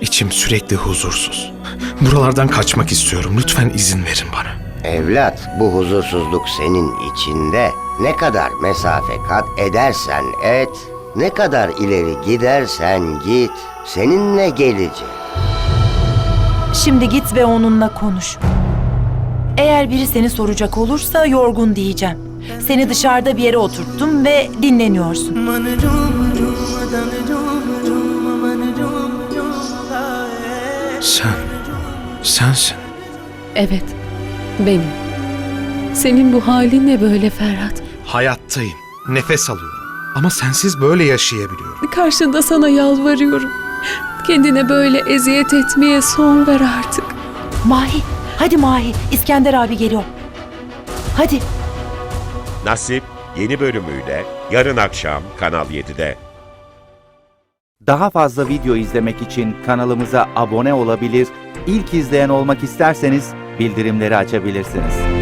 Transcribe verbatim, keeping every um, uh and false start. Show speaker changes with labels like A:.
A: İçim sürekli huzursuz. Buralardan kaçmak istiyorum. Lütfen izin verin bana.
B: Evlat, bu huzursuzluk senin içinde. Ne kadar mesafe kat edersen et, ne kadar ileri gidersen git, seninle gelecek.
C: Şimdi git ve onunla konuş. Eğer biri seni soracak olursa yorgun diyeceğim. Seni dışarıda bir yere oturttum ve dinleniyorsun.
A: Sen, sensin.
D: Evet, benim. Senin bu halin ne böyle Ferhat?
A: Hayattayım. Nefes alıyorum. Ama sensiz böyle yaşayabiliyorum.
D: Karşında sana yalvarıyorum. Kendine böyle eziyet etmeye son ver artık.
C: Mahi, hadi Mahi. İskender abi geliyor. Hadi.
E: Nasip yeni bölümüyle yarın akşam Kanal yedide.
F: Daha fazla video izlemek için kanalımıza abone olabilir, ilk izleyen olmak isterseniz bildirimleri açabilirsiniz.